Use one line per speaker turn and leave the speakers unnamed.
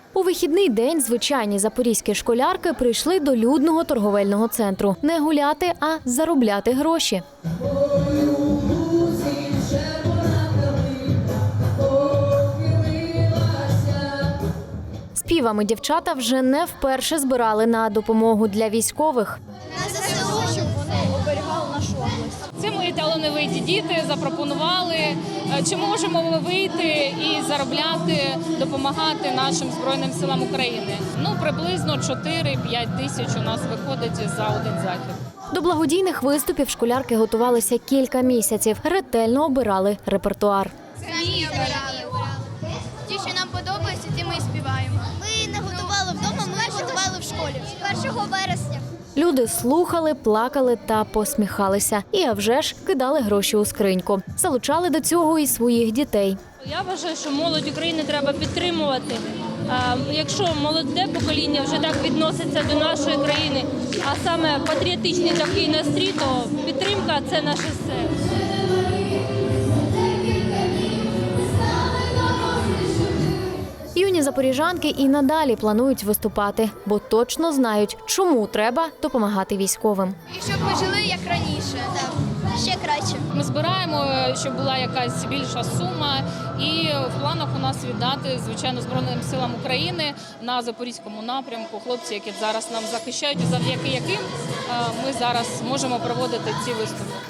У вихідний день звичайні запорізькі школярки прийшли до людного торговельного центру. Не гуляти, а заробляти гроші. Співами дівчата вже не вперше збирали на допомогу для військових.
Щоб вони оберігали нашу область.
Це мої талановиті діти запропонували, чи можемо ми вийти і заробляти, допомагати нашим Збройним силам України. Приблизно 4-5 тисяч у нас виходить за один захід.
До благодійних виступів школярки готувалися кілька місяців, ретельно обирали репертуар.
Самі обирали. Ті, що нам подобається, ті ми і співаємо. Ми не готували вдома, ми готували в школі. 1 вересня.
Люди слухали, плакали та посміхалися. І, а вже ж, кидали гроші у скриньку. Залучали до цього і своїх дітей.
Я вважаю, що молодь України треба підтримувати. Якщо молоде покоління вже так відноситься до нашої країни, а саме патріотичний такий настрій, то підтримка – це наше все.
Юні запоріжанки і надалі планують виступати, бо точно знають, чому треба допомагати військовим.
І щоб ми жили як раніше. Так. Ще краще.
Ми збираємо, щоб була якась більша сума, і в планах у нас віддати, звичайно, Збройним силам України на Запорізькому напрямку. Хлопці, які зараз нам захищають, завдяки яким ми зараз можемо проводити ці виступи.